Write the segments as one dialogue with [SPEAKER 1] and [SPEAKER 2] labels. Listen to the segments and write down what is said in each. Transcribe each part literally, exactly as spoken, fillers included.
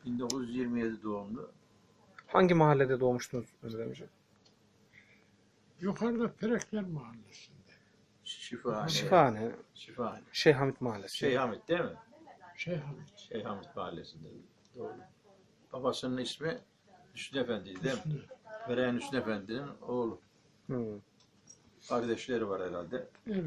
[SPEAKER 1] bin dokuz yüz yirmi yedi doğumlu.
[SPEAKER 2] Hangi mahallede doğmuştunuz Önder amca?
[SPEAKER 3] Yukarıda Perekler Mahallesi'nde.
[SPEAKER 1] Şifahane.
[SPEAKER 2] Şifahane,
[SPEAKER 1] Şifahane.
[SPEAKER 2] Şeyh Hamit Mahallesi.
[SPEAKER 1] Şeyh Hamit değil mi?
[SPEAKER 3] Şeyh Hamit.
[SPEAKER 1] Şeyh Hamit mahallesinde. Doğru. Babasının ismi Hüsnü Efendi'ydi değil mi?
[SPEAKER 3] Hüsnü.
[SPEAKER 1] Mereyen Hüsnü Efendi'nin oğlu.
[SPEAKER 2] Hmm.
[SPEAKER 1] Kardeşleri var herhalde.
[SPEAKER 3] Evet.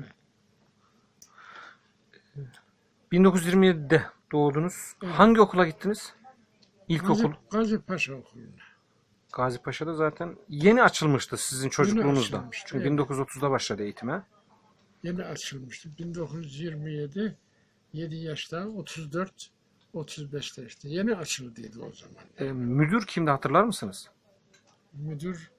[SPEAKER 2] bin dokuz yüz yirmi yedide doğdunuz.
[SPEAKER 3] Evet.
[SPEAKER 2] Hangi okula gittiniz? İlkokul.
[SPEAKER 3] Gazi, Gazi Paşa Okulu'na.
[SPEAKER 2] Gazi Paşa'da zaten yeni açılmıştı sizin çocukluğunuzda.
[SPEAKER 3] açılmıştı,
[SPEAKER 2] Çünkü
[SPEAKER 3] evet.
[SPEAKER 2] bin dokuz yüz otuzda başladı eğitime.
[SPEAKER 3] Yeni açılmıştı. bin dokuz yüz yirmi yedi, yedi yaşta, otuz dört, otuz beşte işte. Yeni açıldıydı o zaman.
[SPEAKER 2] E, müdür kimdi hatırlar mısınız?
[SPEAKER 3] Müdür,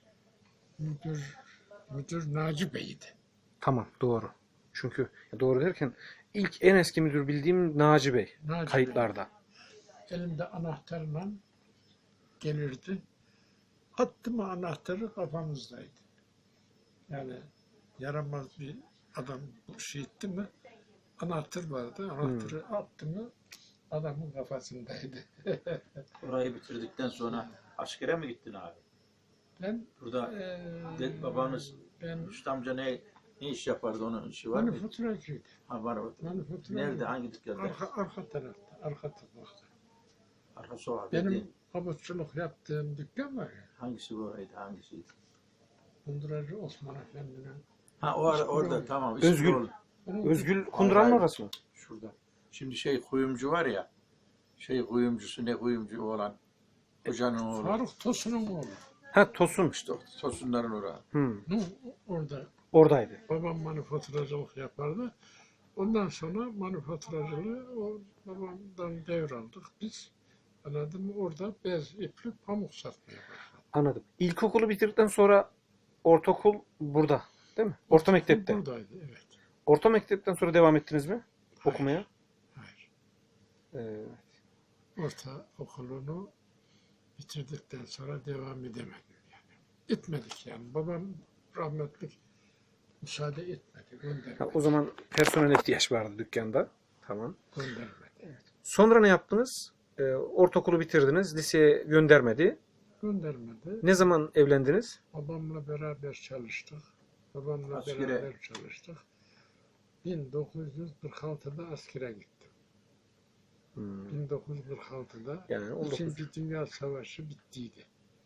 [SPEAKER 3] müdür, müdür Naci Bey'di.
[SPEAKER 2] Tamam, doğru. Çünkü doğru derken ilk en eski müdür bildiğim Naci Bey.
[SPEAKER 3] Naci
[SPEAKER 2] Kayıtlarda.
[SPEAKER 3] Bey. Elinde anahtarla gelirdi. Attı mı anahtarı kafamızdaydı. Yani yaramaz bir adam bu şey etti mi anahtar vardı. Anahtarı attı mı adamın kafasındaydı.
[SPEAKER 1] Orayı bitirdikten sonra askere mi gittin abi?
[SPEAKER 3] Ben
[SPEAKER 1] Burada
[SPEAKER 3] eee,
[SPEAKER 1] de, babanız
[SPEAKER 3] ben
[SPEAKER 1] Hüsnü amca ne ne iş yapardı, onun işi var mı?
[SPEAKER 3] manifaturacıydı.
[SPEAKER 1] Ha, var mı?
[SPEAKER 3] Manifaturacıydı.
[SPEAKER 1] Nerede? Hangi dükkanda?
[SPEAKER 3] Arka, arka tarafta, arka tarafta.
[SPEAKER 1] Arka sokak
[SPEAKER 3] Benim
[SPEAKER 1] dediğin.
[SPEAKER 3] kabutçuluk yaptığım dükkan var ya.
[SPEAKER 1] Hangisi bu oraydı? Hangisiydi?
[SPEAKER 3] Kunduracı Osman Efendi'nin.
[SPEAKER 1] Ha o ara, orada tamam. ismi
[SPEAKER 2] Özgül.
[SPEAKER 1] orada.
[SPEAKER 3] Onun
[SPEAKER 2] Özgül Kunduran'ın
[SPEAKER 1] Hayır.
[SPEAKER 2] orası mı?
[SPEAKER 1] Şurada. Şimdi şey kuyumcu var ya. Şey kuyumcusu ne kuyumcu olan. Hocanın oğlu.
[SPEAKER 3] Faruk Tosun'un oğlu.
[SPEAKER 2] Ha, Tosun.
[SPEAKER 1] İşte o Tosunların orası.
[SPEAKER 2] Hmm.
[SPEAKER 3] Nu, orada
[SPEAKER 2] Oradaydı.
[SPEAKER 3] babam manifaturacılık yapardı. Ondan sonra manifaturacılığı o babamdan devraldık biz. Anladın mı? Orada bez, iplik, pamuk satmaya başladık.
[SPEAKER 2] Anladım. İlkokulu bitirdikten sonra ortaokul burada, değil mi? Orta mektepte.
[SPEAKER 3] Buradaydı, evet.
[SPEAKER 2] Orta mektepten sonra devam ettiniz mi okumaya?
[SPEAKER 3] Hayır.
[SPEAKER 2] Ee,
[SPEAKER 3] Orta okulunu bitirdikten sonra devam edemedim yani. Etmedik yani. Babam rahmetli müsaade etmedi,
[SPEAKER 2] ha,
[SPEAKER 3] göndermedi.
[SPEAKER 2] o zaman personel ihtiyaç vardı dükkanda. Tamam.
[SPEAKER 3] Göndermedi.
[SPEAKER 2] Sonra ne yaptınız? Ee, ortaokulu bitirdiniz. Liseye göndermedi.
[SPEAKER 3] Göndermedi.
[SPEAKER 2] Ne zaman evlendiniz?
[SPEAKER 3] Babamla beraber çalıştık. Babamla
[SPEAKER 1] Askere.
[SPEAKER 3] beraber çalıştık. bin dokuz yüz kırk altıda askere gittim.
[SPEAKER 2] Hmm.
[SPEAKER 3] bin dokuz yüz kırk altıda
[SPEAKER 2] Yani on dokuz.
[SPEAKER 3] İkinci Dünya Savaşı bittiydi.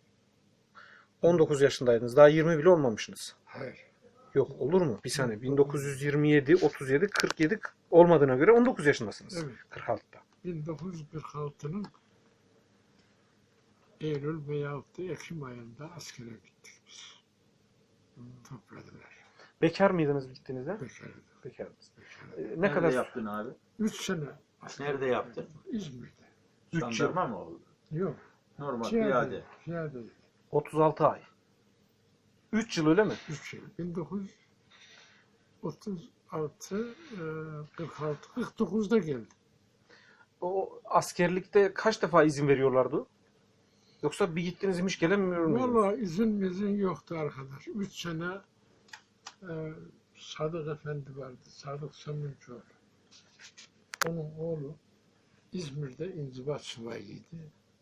[SPEAKER 2] on dokuz yaşındaydınız. Daha yirmi bile olmamışsınız.
[SPEAKER 3] Hayır.
[SPEAKER 2] Yok, olur mu? Bir saniye. bin dokuz yüz yirmi yedi, otuz yedi, kırk yedi olmadığına göre on dokuz yaşındasınız.
[SPEAKER 3] Evet.
[SPEAKER 2] kırk altıda.
[SPEAKER 3] bin dokuz yüz kırk altının Eylül veyahut da Ekim ayında askere gittik biz. Topladılar.
[SPEAKER 2] Bekar mıydınız gittiğinizde?
[SPEAKER 3] Bekardık.
[SPEAKER 2] Bekardınız.
[SPEAKER 3] Bekardık.
[SPEAKER 2] Ee, ne
[SPEAKER 1] Nerede
[SPEAKER 2] kadar?
[SPEAKER 1] yaptın abi?
[SPEAKER 3] Üç sene. asker
[SPEAKER 1] Nerede yaptın?
[SPEAKER 3] İzmir'de.
[SPEAKER 2] Üç yıl.
[SPEAKER 1] Jandarma mı oldu?
[SPEAKER 3] Yok.
[SPEAKER 1] Normal
[SPEAKER 3] Piyade.
[SPEAKER 1] piyade.
[SPEAKER 3] Piyade.
[SPEAKER 2] otuz altı ay. üç yıl öyle mi?
[SPEAKER 3] Üç yıl. bin dokuz yüz otuz altı, e, kırk altı, kırk dokuzda geldi.
[SPEAKER 2] O askerlikte kaç defa izin veriyorlardı? Yoksa bir gittiniz hiç gelemiyor muydunuz?
[SPEAKER 3] Vallahi izin mizin yoktu arkadaş. Üç sene e, Sadık Efendi vardı. Sadık Sömürcüoğlu. Onun oğlu İzmir'de inzibat subayıydı.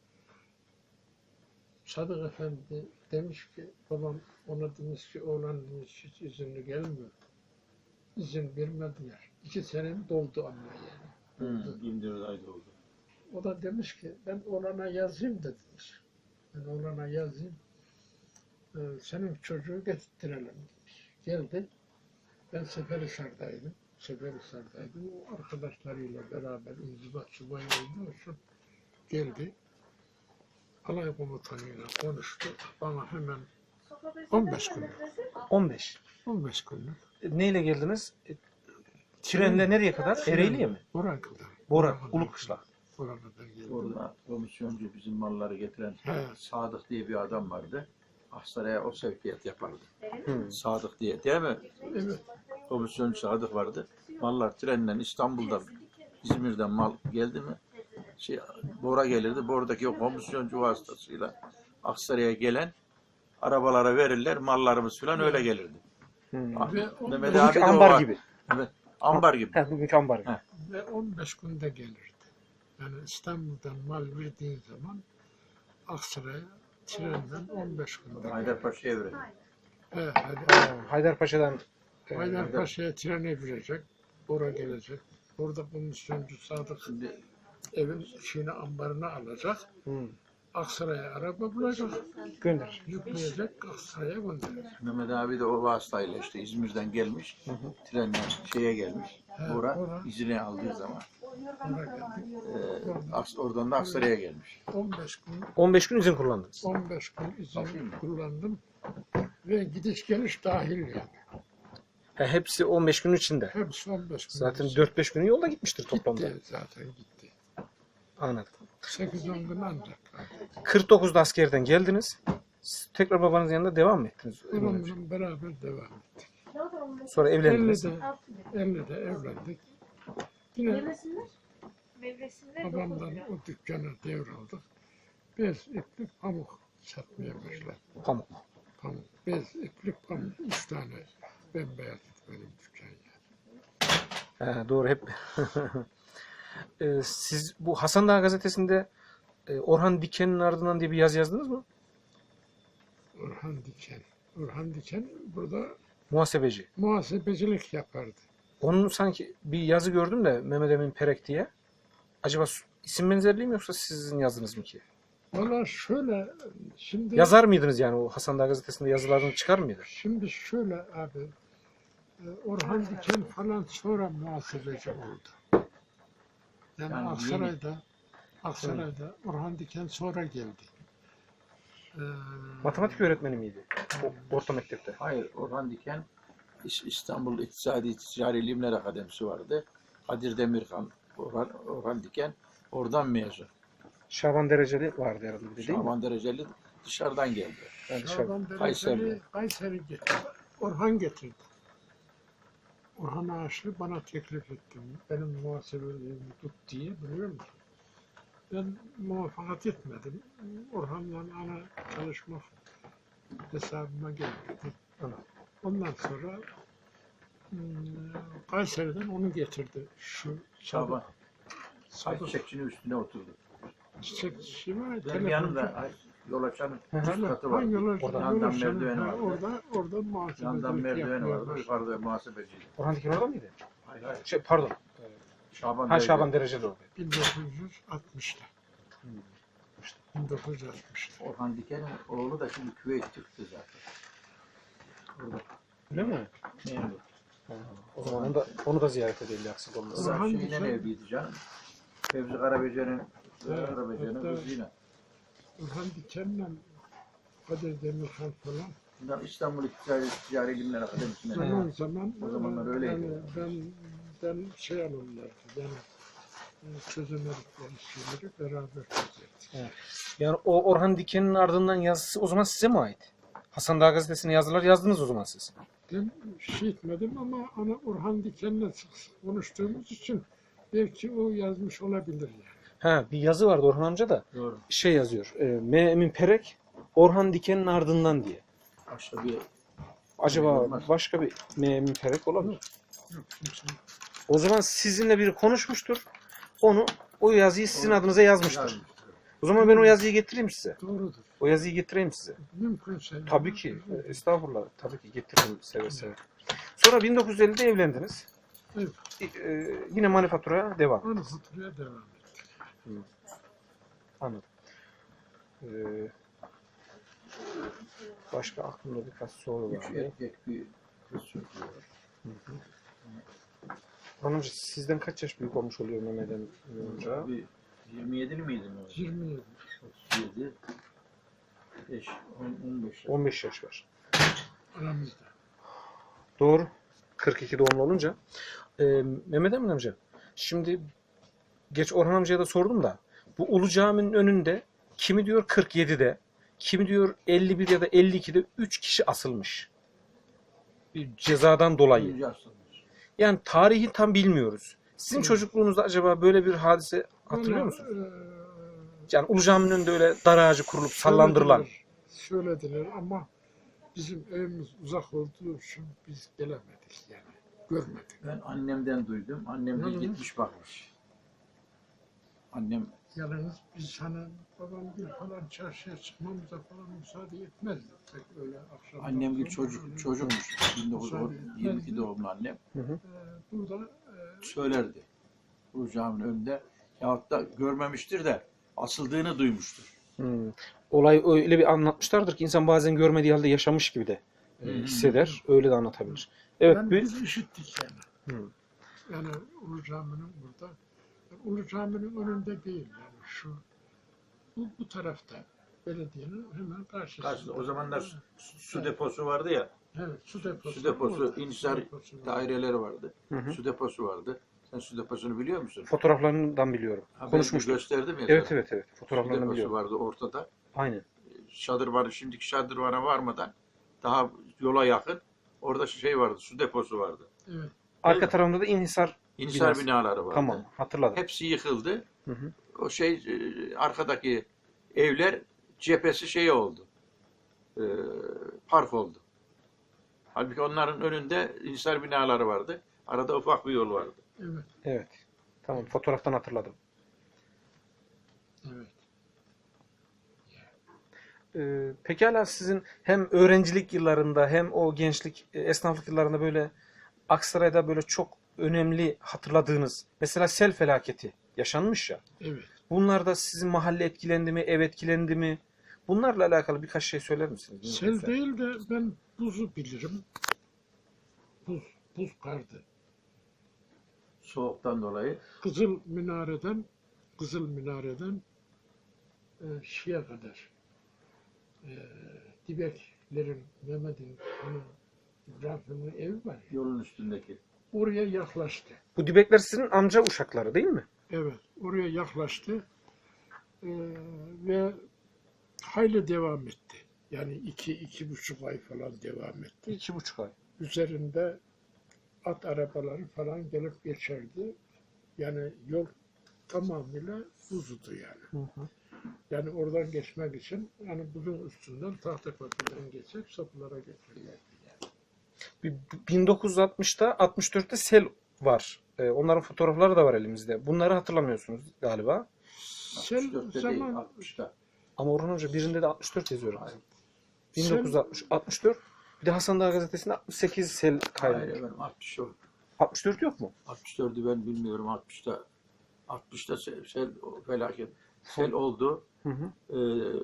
[SPEAKER 3] Sadık Efendi demiş ki, babam ona demiş ki, oğlan demiş hiç izinli gelmiyor. İzin vermediler. İki senem doldu ama yani.
[SPEAKER 1] Hı, yirmi dört ayda oldu.
[SPEAKER 3] O da demiş ki, ben oğlana yazayım da demiş. Ben oğlana yazayım. Ee, senin çocuğu getirtirelim demiş. Geldi. Ben Seferihisar'daydım. Seferihisar'daydım. O arkadaşlarıyla beraber inzibat subayı olduğu için geldi. Alay komutanıyla konuştu. Bana hemen on beş günlük.
[SPEAKER 2] on beş.
[SPEAKER 3] on beş günlük.
[SPEAKER 2] E, neyle geldiniz? E, trenle nereye kadar? Ereğli'ye mi?
[SPEAKER 3] Buraya kadar.
[SPEAKER 2] Bora,
[SPEAKER 3] kadar.
[SPEAKER 2] Ulukışla.
[SPEAKER 3] Buraya kadar geldi.
[SPEAKER 1] Orada komisyoncu bizim malları getiren
[SPEAKER 3] He.
[SPEAKER 1] Sadık diye bir adam vardı. Aksaray'a o sevkiyat yapardı.
[SPEAKER 2] Hı.
[SPEAKER 1] Sadık diye değil mi?
[SPEAKER 3] Evet.
[SPEAKER 1] Komisyoncu Sadık vardı. Mallar trenle İstanbul'dan, İzmir'den mal geldi mi? Şey, Bora gelirdi. Bora'daki o komisyoncu vasıtasıyla Aksaray'a gelen arabalara verirler. Mallarımız falan öyle gelirdi.
[SPEAKER 2] Hı.
[SPEAKER 1] Ah,
[SPEAKER 3] Ve on
[SPEAKER 1] Mehmet
[SPEAKER 3] beş
[SPEAKER 1] abi de o
[SPEAKER 2] ambar
[SPEAKER 1] var.
[SPEAKER 2] gibi.
[SPEAKER 1] Evet, ambar gibi.
[SPEAKER 2] Ha, bugünkü ambar gibi.
[SPEAKER 1] He.
[SPEAKER 3] Ve on beş günde gelirdi. Yani İstanbul'dan mal verdiğin zaman Aksaray'a trenden on beş günde.
[SPEAKER 1] Haydarpaşa'ya verelim.
[SPEAKER 3] He, hadi.
[SPEAKER 2] Ha, Haydarpaşa'dan e,
[SPEAKER 3] Haydarpaşa'ya trene binecek. Oraya gelecek. Orada komisyoncu Sadık
[SPEAKER 1] Şimdi
[SPEAKER 3] evin şeyini ambarına alacak.
[SPEAKER 2] hı,
[SPEAKER 3] Aksaray'a araba bulacak.
[SPEAKER 2] gönder.
[SPEAKER 3] Yükleyecek, Aksaray'a gönderecek.
[SPEAKER 1] Mehmet abi de o vasıtayla işte İzmir'den gelmiş.
[SPEAKER 2] Hı hı.
[SPEAKER 1] Trenle şeye gelmiş.
[SPEAKER 3] He,
[SPEAKER 1] Bora
[SPEAKER 3] ora.
[SPEAKER 1] izine aldığı zaman.
[SPEAKER 3] Oraya geldik.
[SPEAKER 1] E, Aks- oradan da Aksaray'a gelmiş.
[SPEAKER 3] on beş gün
[SPEAKER 2] on beş gün izin kullandınız.
[SPEAKER 3] on beş gün izin
[SPEAKER 1] Bakayım mı?
[SPEAKER 3] kullandım. Ve gidiş geliş dahil yani.
[SPEAKER 2] Ha, hepsi on beş gün içinde.
[SPEAKER 3] Hepsi on beş gün.
[SPEAKER 2] Zaten
[SPEAKER 3] izin.
[SPEAKER 2] dört beş günü yolda gitmiştir toplamda.
[SPEAKER 3] Gitti zaten gitti.
[SPEAKER 2] Anladım.
[SPEAKER 3] sekiz on gün ancak.
[SPEAKER 2] kırk dokuzda askerden geldiniz. Siz tekrar babanızın yanında devam mı ettiniz?
[SPEAKER 3] Onunla beraber devam ettik.
[SPEAKER 2] Sonra evlendiniz.
[SPEAKER 3] ellide, ellide evlendik. Yine
[SPEAKER 4] Meyvesinler. Meyvesinler dokuz
[SPEAKER 3] babamdan
[SPEAKER 4] lira.
[SPEAKER 3] o dükkanı devraldık. Bez, iplik, pamuk satmaya başladık.
[SPEAKER 2] Pamuk.
[SPEAKER 3] Pamuk, bez, iplik, pamuk. Üç tane bembeyaz benim dükkan yani.
[SPEAKER 2] Ha, doğru hep. Ee, siz bu Hasan Dağı gazetesinde e, Orhan Diken'in ardından diye bir yazı yazdınız mı?
[SPEAKER 3] Orhan Diken. Orhan Diken burada
[SPEAKER 2] Muhasebeci.
[SPEAKER 3] muhasebecilik yapardı.
[SPEAKER 2] Onun sanki bir yazı gördüm de Mehmet Emin Perek diye. Acaba su- isim benzerliği mi yoksa sizin yazdınız mı ki?
[SPEAKER 3] Valla şöyle, şimdi
[SPEAKER 2] Yazar mıydınız yani o Hasan Dağı gazetesinde yazılarını çıkar mıydı?
[SPEAKER 3] şimdi şöyle abi, e, Orhan Diken falan sonra muhasebeci oldu. Yani,
[SPEAKER 1] Yani
[SPEAKER 3] Aksaray'da, Aksaray'da Orhan Diken sonra geldi. Ee,
[SPEAKER 2] Matematik öğretmeni miydi? O, orta mektepte.
[SPEAKER 1] Hayır, Orhan Diken İs- İstanbul İktisadi Ticari İlimler Akademisi vardı. Kadir Demirkan, Orhan, Orhan Diken oradan mezun.
[SPEAKER 2] Şaban Dereceli vardı herhalde bir de değil mi?
[SPEAKER 1] Şaban Dereceli dışarıdan geldi.
[SPEAKER 2] Yani dışarı-
[SPEAKER 3] Şaban
[SPEAKER 1] Kayseri'de.
[SPEAKER 3] Dereceli Kayseri getirdi. Orhan getirdi. Orhan Ağaçlı bana teklif etti. Benim muhasebeliğimi tut diye, biliyor musun? Ben muvaffakat etmedim. Orhan'la ana çalışmak hesabıma gelmedi.
[SPEAKER 2] Anladım.
[SPEAKER 3] Ondan sonra hmm, Kayseri'den onu getirdi. Şu
[SPEAKER 1] Şaban
[SPEAKER 3] Sadık
[SPEAKER 1] çiçekçinin üstüne oturdu.
[SPEAKER 3] çiçekçi var.
[SPEAKER 1] Benim
[SPEAKER 3] telefoncu.
[SPEAKER 1] yanımda ay, yol açan
[SPEAKER 2] Hı hı.
[SPEAKER 1] üst katı var.
[SPEAKER 3] Hangi yol açan-
[SPEAKER 2] Oradan
[SPEAKER 3] yol
[SPEAKER 1] yandan
[SPEAKER 3] açan-
[SPEAKER 1] merdiveni
[SPEAKER 3] ha,
[SPEAKER 1] vardı.
[SPEAKER 3] Orada, orada
[SPEAKER 1] Yandan
[SPEAKER 3] muhasebecilik
[SPEAKER 1] merdiveni vardı.
[SPEAKER 3] yapıyorlar.
[SPEAKER 1] Yukarıda muhasebeciydi.
[SPEAKER 2] Orhan Diken orada mıydı?
[SPEAKER 1] Hayır hayır.
[SPEAKER 2] Şey, pardon.
[SPEAKER 1] Şaban
[SPEAKER 2] Ha
[SPEAKER 1] Dereceli.
[SPEAKER 2] Şaban Dereceli orada.
[SPEAKER 3] bin dokuz yüz altmışta. bin dokuz yüz altmışta.
[SPEAKER 1] Orhan Diken'in oğlu da şimdi Küveyt Türk'tü zaten. Orada
[SPEAKER 2] Öyle mi?
[SPEAKER 1] memur.
[SPEAKER 2] Ha, o zaman onu da, onu da ziyaret edelim aksik
[SPEAKER 1] O
[SPEAKER 2] olmaz.
[SPEAKER 1] da
[SPEAKER 3] Orhan
[SPEAKER 1] şeyle
[SPEAKER 3] Diken-
[SPEAKER 1] evliydi canım. Fevzi Karabece'nin
[SPEAKER 3] Evet,
[SPEAKER 1] Karabece'nin
[SPEAKER 3] hatta-
[SPEAKER 1] kızıyla.
[SPEAKER 3] Orhan Diken'le Kadir Demirkan falan.
[SPEAKER 1] Bunlar İstanbul İktisadi Ticari İlimler Akademisi'ne.
[SPEAKER 3] Zaman zaman
[SPEAKER 1] O zamanlar
[SPEAKER 3] e,
[SPEAKER 1] öyleydi.
[SPEAKER 3] Yani ben, ben şey alırlardı. Yani e, çözemedikleri şeyleri beraber çözerdik.
[SPEAKER 2] Yani o Orhan Diken'in ardından yazısı o zaman size mi ait? Hasan Dağı gazetesine yazılar yazdınız o zaman siz.
[SPEAKER 3] Ben şey etmedim ama ana Orhan Diken'le sık sık konuştuğumuz için belki o yazmış olabilir yani.
[SPEAKER 2] Ha bir yazı vardı Orhan amca da
[SPEAKER 1] Doğru.
[SPEAKER 2] şey yazıyor. E, M. Emin Perek Orhan Diken'in ardından diye.
[SPEAKER 1] Başka bir
[SPEAKER 2] Acaba
[SPEAKER 1] Olmaz.
[SPEAKER 2] başka bir M. Emin Perek olabilir.
[SPEAKER 3] Yok kimse.
[SPEAKER 2] O zaman sizinle biri konuşmuştur. Onu o yazıyı sizin adınıza yazmıştır.
[SPEAKER 1] yazmıştır.
[SPEAKER 2] O zaman ben o yazıyı getireyim size.
[SPEAKER 3] Doğrudur.
[SPEAKER 2] O yazıyı getireyim size.
[SPEAKER 3] Mümkünse.
[SPEAKER 2] Tabii ki. e, Estağfurullah. Tabii ki getiririm seve seve. Sonra bin dokuz yüz ellide evlendiniz.
[SPEAKER 3] Evet.
[SPEAKER 2] E, yine manifaturaya devam.
[SPEAKER 3] Onu faturaya devam ettik.
[SPEAKER 2] Anladım. Ee, başka aklımda birkaç soru
[SPEAKER 1] Üç
[SPEAKER 2] var.
[SPEAKER 1] erkek bir kız çocuğu var.
[SPEAKER 2] Hanımcı sizden kaç yaş büyük olmuş oluyor Mehmet Emin amca?
[SPEAKER 1] Bir yirmi yedili miydin o?
[SPEAKER 3] yirmi yedi.
[SPEAKER 1] otuz yedi. beş, on, on beş.
[SPEAKER 2] on beş yaş var.
[SPEAKER 3] Aramızda.
[SPEAKER 2] Doğru. kırk iki doğumlu olunca. Ee, Mehmet Emin amca, şimdi geç Orhan amcaya da sordum da bu Ulu Cami'nin önünde kimi diyor kırk yedide, kimi diyor elli bir ya da elli ikide üç kişi asılmış. Bir cezadan dolayı.
[SPEAKER 1] Birinci asılmış.
[SPEAKER 2] Yani tarihi tam bilmiyoruz. Sizin
[SPEAKER 3] Evet.
[SPEAKER 2] çocukluğunuzda acaba böyle bir hadise hatırlıyor
[SPEAKER 3] Valla,
[SPEAKER 2] musunuz?
[SPEAKER 3] eee,
[SPEAKER 2] Yani Ulu Cami'nin önünde öyle dar ağacı kurulup sallandırılan.
[SPEAKER 3] Söylediler, söylediler ama bizim evimiz uzak olduğu için biz gelemedik yani. Görmedik.
[SPEAKER 1] Ben annemden duydum. Annem
[SPEAKER 3] Hı
[SPEAKER 1] bir
[SPEAKER 3] hı.
[SPEAKER 1] gitmiş bakmış. Annem
[SPEAKER 3] Yalnız biz hani babam bir falan çarşıya çıkmamıza falan müsaade etmezdi. Pek öyle akşam.
[SPEAKER 1] annem bir çocuk çocukmuş. bin dokuz yüz yirmi iki doğumlu annem.
[SPEAKER 2] Hı hı.
[SPEAKER 3] Ee, burada e,
[SPEAKER 1] Söylerdi. Bu caminin önünde. Yahut da görmemiştir de asıldığını duymuştur.
[SPEAKER 2] Hmm. Olay öyle bir anlatmışlardır ki insan bazen görmediği halde yaşamış gibi de e,
[SPEAKER 1] Hı hı.
[SPEAKER 2] hisseder. Öyle de anlatabilir. Evet.
[SPEAKER 3] ben
[SPEAKER 2] Bir,
[SPEAKER 3] biz işittik yani.
[SPEAKER 2] Hı.
[SPEAKER 3] Yani Ulu Cami'nin burada. Ulu Cami'nin önünde değil yani şu bu, bu tarafta belediyenin hemen karşısında.
[SPEAKER 1] Karşıda o zamanlar su, su deposu vardı ya.
[SPEAKER 3] Evet, su deposu.
[SPEAKER 1] Su deposu,
[SPEAKER 3] orada.
[SPEAKER 1] inşaat
[SPEAKER 3] Su deposu var.
[SPEAKER 1] daireleri vardı.
[SPEAKER 2] Hı hı.
[SPEAKER 1] Su deposu vardı. Sen su deposunu biliyor musun?
[SPEAKER 2] Fotoğraflarından biliyorum.
[SPEAKER 1] Ha, ben
[SPEAKER 2] Konuşmuştuk.
[SPEAKER 1] gösterdim ya.
[SPEAKER 2] Evet
[SPEAKER 1] sana.
[SPEAKER 2] evet evet.
[SPEAKER 1] Su
[SPEAKER 2] Fotoğraflarını
[SPEAKER 1] deposu
[SPEAKER 2] biliyorum.
[SPEAKER 1] vardı ortada.
[SPEAKER 2] Aynen.
[SPEAKER 1] Şadırvanı, şimdiki şadırvana varmadan daha yola yakın orada şey vardı, su deposu vardı.
[SPEAKER 3] Evet.
[SPEAKER 2] Arka tarafında da inhisar.
[SPEAKER 1] İnşaat
[SPEAKER 2] Binası.
[SPEAKER 1] binaları vardı.
[SPEAKER 2] Tamam, hatırladım.
[SPEAKER 1] Hepsi yıkıldı.
[SPEAKER 2] Hı hı.
[SPEAKER 1] O şey e, arkadaki evler cephesi şey oldu. E, park oldu. Halbuki onların önünde inşaat binaları vardı. Arada ufak bir yol vardı.
[SPEAKER 3] Evet.
[SPEAKER 2] Evet. Tamam, fotoğraftan hatırladım.
[SPEAKER 3] Evet.
[SPEAKER 2] Ee, pekala sizin hem öğrencilik yıllarında hem o gençlik, e, esnaflık yıllarında böyle Aksaray'da böyle çok önemli hatırladığınız, mesela sel felaketi yaşanmış ya.
[SPEAKER 3] Evet.
[SPEAKER 2] Bunlarda sizin mahalle etkilendi mi, ev etkilendi mi? Bunlarla alakalı birkaç şey söyler misiniz?
[SPEAKER 3] Sel
[SPEAKER 2] Mümkünse.
[SPEAKER 3] değil de ben buzu bilirim. Buz, buz kardı.
[SPEAKER 1] Soğuktan dolayı.
[SPEAKER 3] Kızıl Minare'den Kızıl Minare'den e, şeye kadar e, Dibeklerin, Mehmet'in, onun İbrahim'in evi var ya,
[SPEAKER 1] Yolun üstündeki.
[SPEAKER 3] oraya yaklaştı.
[SPEAKER 2] Bu Dibekler sizin amca uşakları değil mi?
[SPEAKER 3] Evet, oraya yaklaştı e, ve hayli devam etti. Yani iki, iki buçuk ay falan devam etti.
[SPEAKER 2] İki buçuk ay.
[SPEAKER 3] Üzerinde at arabaları falan gelip geçerdi. Yani yol tamamıyla buzdu yani.
[SPEAKER 2] Hı hı.
[SPEAKER 3] Yani oradan geçmek için yani buzun üstünden tahta köprüden geçip sapılara geçerlerdi yani.
[SPEAKER 2] Bir- bin dokuz yüz altmışta, altmış dörtte sel var. Ee, onların fotoğrafları da var elimizde. Bunları hatırlamıyorsunuz galiba.
[SPEAKER 3] Sel
[SPEAKER 1] altmış dörtte değil,
[SPEAKER 3] zaman
[SPEAKER 1] altmışta.
[SPEAKER 2] Ama Orhan Hoca birinde de altmış dört yazıyorum.
[SPEAKER 1] Hayır.
[SPEAKER 2] bin dokuz yüz altmış, altmış dört. Bir de Hasan Dağ gazetesinde altmış sekiz sel
[SPEAKER 1] Hayır
[SPEAKER 2] kaydı.
[SPEAKER 1] efendim, altmış dört.
[SPEAKER 2] altmış dört yok mu?
[SPEAKER 1] altmış dördü ben bilmiyorum. altmışta altmışta sel, sel felaket. Sel oldu.
[SPEAKER 2] Hı hı.
[SPEAKER 1] Ee,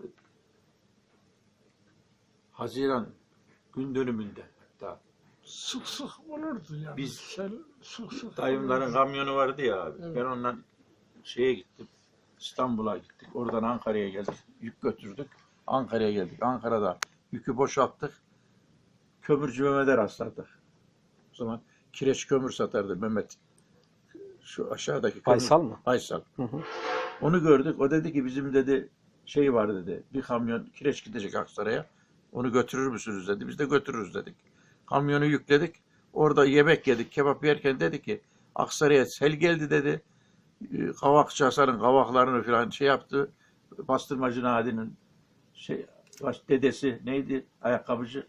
[SPEAKER 1] Haziran gün dönümünde hatta.
[SPEAKER 3] sık sık olurdu yani.
[SPEAKER 1] Biz-
[SPEAKER 3] Sel sık sık
[SPEAKER 1] Dayımların
[SPEAKER 3] olurdu.
[SPEAKER 1] kamyonu vardı ya abi.
[SPEAKER 3] Evet.
[SPEAKER 1] Ben ondan şeye gittim. İstanbul'a gittik. Oradan Ankara'ya geldik. Yük götürdük. Ankara'ya geldik. Ankara'da yükü boşalttık. Kömürcü Mehmet'e rastladık. O zaman kireç kömür satardı Mehmet. Şu aşağıdaki kömür.
[SPEAKER 2] Faysal mı?
[SPEAKER 1] Faysal.
[SPEAKER 2] Hı hı.
[SPEAKER 1] Onu gördük. O dedi ki bizim dedi şey var dedi. Bir kamyon kireç gidecek Aksaray'a. Onu götürür müsünüz dedi. Biz de götürürüz dedik. Kamyonu yükledik. Orada yemek yedik. Kebap yerken dedi ki Aksaray'a sel geldi dedi. Ee, Kavakçı Hasan'ın kavaklarını falan şey yaptı. Bastırmacı Nadi'nin şey baş dedesi neydi? Ayakkabıcı.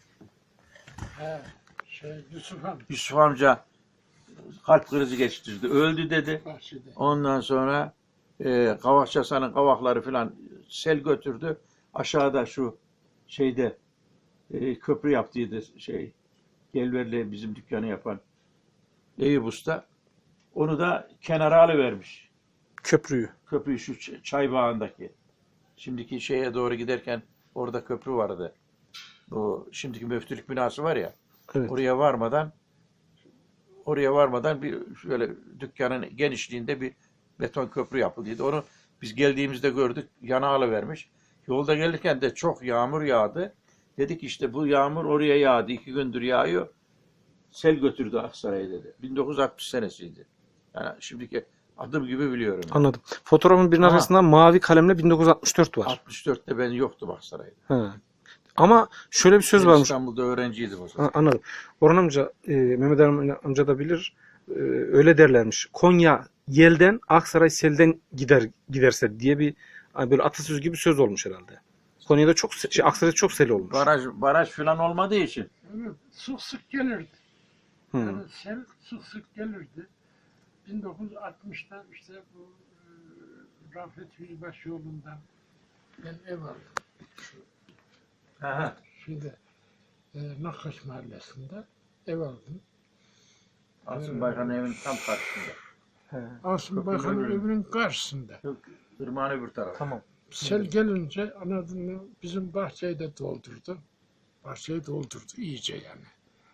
[SPEAKER 3] He, şey Yusuf Han
[SPEAKER 1] Yusuf amca kalp krizi geçirdi. Öldü dedi.
[SPEAKER 3] bahçede.
[SPEAKER 1] Ondan sonra e, Kavakçı Hasan'ın kavakları falan sel götürdü. Aşağıda şu şeyde e, köprü yaptıydı şey Gelver'le bizim dükkanı yapan Eyüp Usta. Onu da kenara alıvermiş.
[SPEAKER 2] Köprüyü.
[SPEAKER 1] Köprüyü şu ç- çay bağındaki. Şimdiki şeye doğru giderken orada köprü vardı. O şimdiki müftülük binası var ya.
[SPEAKER 2] Evet.
[SPEAKER 1] Oraya varmadan oraya varmadan bir şöyle dükkanın genişliğinde bir beton köprü yapıldıydı. Onu biz geldiğimizde gördük. Yana alıvermiş. Yolda gelirken de çok yağmur yağdı. Dedik işte bu yağmur oraya yağdı. İki gündür yağıyor. Sel götürdü Aksaray'ı dedi. bin dokuz yüz altmış senesiydi. Yani şimdiki adım gibi biliyorum. Yani.
[SPEAKER 2] Anladım. Fotoğrafın birinin
[SPEAKER 1] Aha.
[SPEAKER 2] arkasında mavi kalemle bin dokuz yüz altmış dört var.
[SPEAKER 1] altmış dörtte ben yoktum Aksaray'da.
[SPEAKER 2] Ha. Ama şöyle bir söz
[SPEAKER 1] Ben
[SPEAKER 2] varmış.
[SPEAKER 1] İstanbul'da öğrenciydim o zaman.
[SPEAKER 2] Ha, anladım. Orhan amca, e, Mehmet Emin amca da bilir. E, öyle derlermiş. Konya yelden, Aksaray selden gider giderse diye bir hani böyle atasözü gibi söz olmuş herhalde. Konya'da çok se- şey, Aksaray'da çok sel olmuş.
[SPEAKER 1] Baraj baraj falan olmadığı için.
[SPEAKER 3] Evet, sık sık gelirdi.
[SPEAKER 2] Hı.
[SPEAKER 3] Yani sel sık sık gelirdi. bin dokuz yüz altmışta işte bu e, Rafet Yüzbaşı yolundan ben ev aldım. Şu,
[SPEAKER 1] Aha.
[SPEAKER 3] şimdi e, Nakkaş Mahallesi'nde ev aldım.
[SPEAKER 1] Asım Baykan'ın evinin tam karşısında.
[SPEAKER 2] He.
[SPEAKER 3] Asım
[SPEAKER 1] Köprünün
[SPEAKER 3] Baykan'ın
[SPEAKER 1] önünde.
[SPEAKER 3] evinin karşısında.
[SPEAKER 1] Yok, ırmağın öbür tarafı.
[SPEAKER 2] Tamam.
[SPEAKER 3] Sel gelince anadını bizim bahçeyi de doldurdu. Bahçeyi doldurdu iyice yani.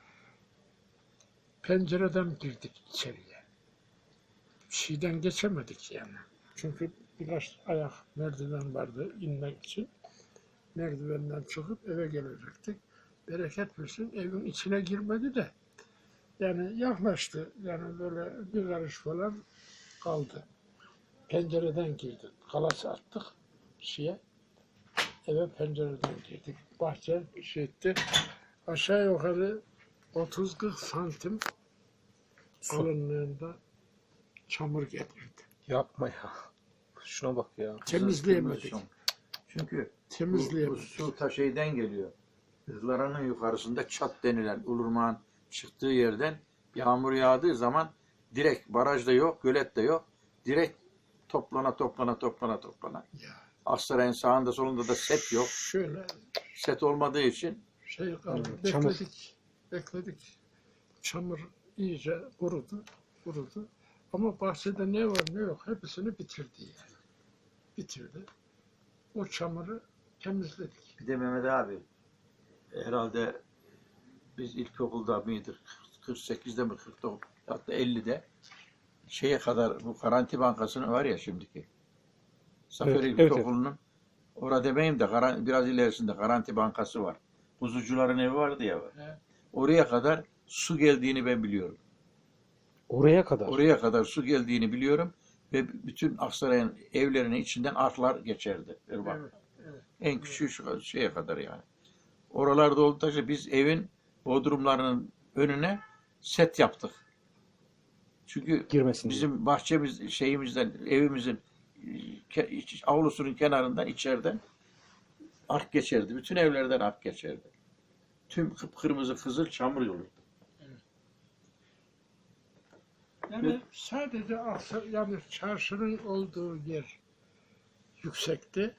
[SPEAKER 3] Pencereden girdik içeriye. Bir şeyden geçemedik yani. Çünkü birkaç ayak merdiven vardı inmek için. Merdivenden çıkıp eve gelecektik. Bereket versin evin içine girmedi de. Yani yaklaştı. Yani böyle bir karış falan kaldı. Pencereden girdik. Kalası attık şeye. Eve pencereden girdik. Bahçe şey etti. Aşağı yukarı otuz kırk santim kalınlığında çamur getirdi.
[SPEAKER 2] Yapma ya. Şuna bak ya.
[SPEAKER 3] Temizleyemedik.
[SPEAKER 1] Çünkü bu, bu
[SPEAKER 3] Temizleyemedik.
[SPEAKER 1] su ta şeyden geliyor. Ihlara'nın yukarısında çat denilen Ulurmağ'ın çıktığı yerden yağmur yağdığı zaman direkt barajda yok, gölet de yok. Direkt toplana toplana toplana toplana.
[SPEAKER 3] Ya,
[SPEAKER 1] Aksaray'ın sağında solunda da set yok.
[SPEAKER 3] şöyle
[SPEAKER 1] Set olmadığı için
[SPEAKER 3] şey kaldı.
[SPEAKER 2] Evet, çamur.
[SPEAKER 3] Bekledik. Bekledik. Çamur iyice kurudu. Kurudu. Ama bahçede ne var ne yok hepsini bitirdi yani. Bitirdi. O çamuru temizledik.
[SPEAKER 1] bir de Mehmet abi herhalde biz ilkokulda mıydık? kırk sekizde mi kırk dokuz hatta ellide şeye kadar bu Garanti Bankası'nın var ya şimdiki. Saferi
[SPEAKER 2] Evet, evet,
[SPEAKER 1] İlkokulu'nun orada demeyeyim de garan- biraz ilerisinde Garanti Bankası var. Kuzucuların evi vardı ya.
[SPEAKER 3] Evet.
[SPEAKER 1] Oraya kadar su geldiğini ben biliyorum.
[SPEAKER 2] Oraya kadar.
[SPEAKER 1] Oraya kadar su geldiğini biliyorum ve bütün Aksaray'ın evlerinin içinden artlar geçerdi. Irmak.
[SPEAKER 3] Evet, evet.
[SPEAKER 1] En küçüğü şu şeye kadar yani. Oralarda oldukça biz evin bodrumlarının önüne set yaptık. Çünkü
[SPEAKER 2] Girmesin diye.
[SPEAKER 1] bizim bahçemiz şeyimizden evimizin ke- iç- avlusunun kenarından içeriden ark geçerdi. Bütün evlerden ark geçerdi. Tüm kıpkırmızı kızıl çamur yolu.
[SPEAKER 3] Yani sadece Aksa, yani çarşının olduğu yer yüksekti.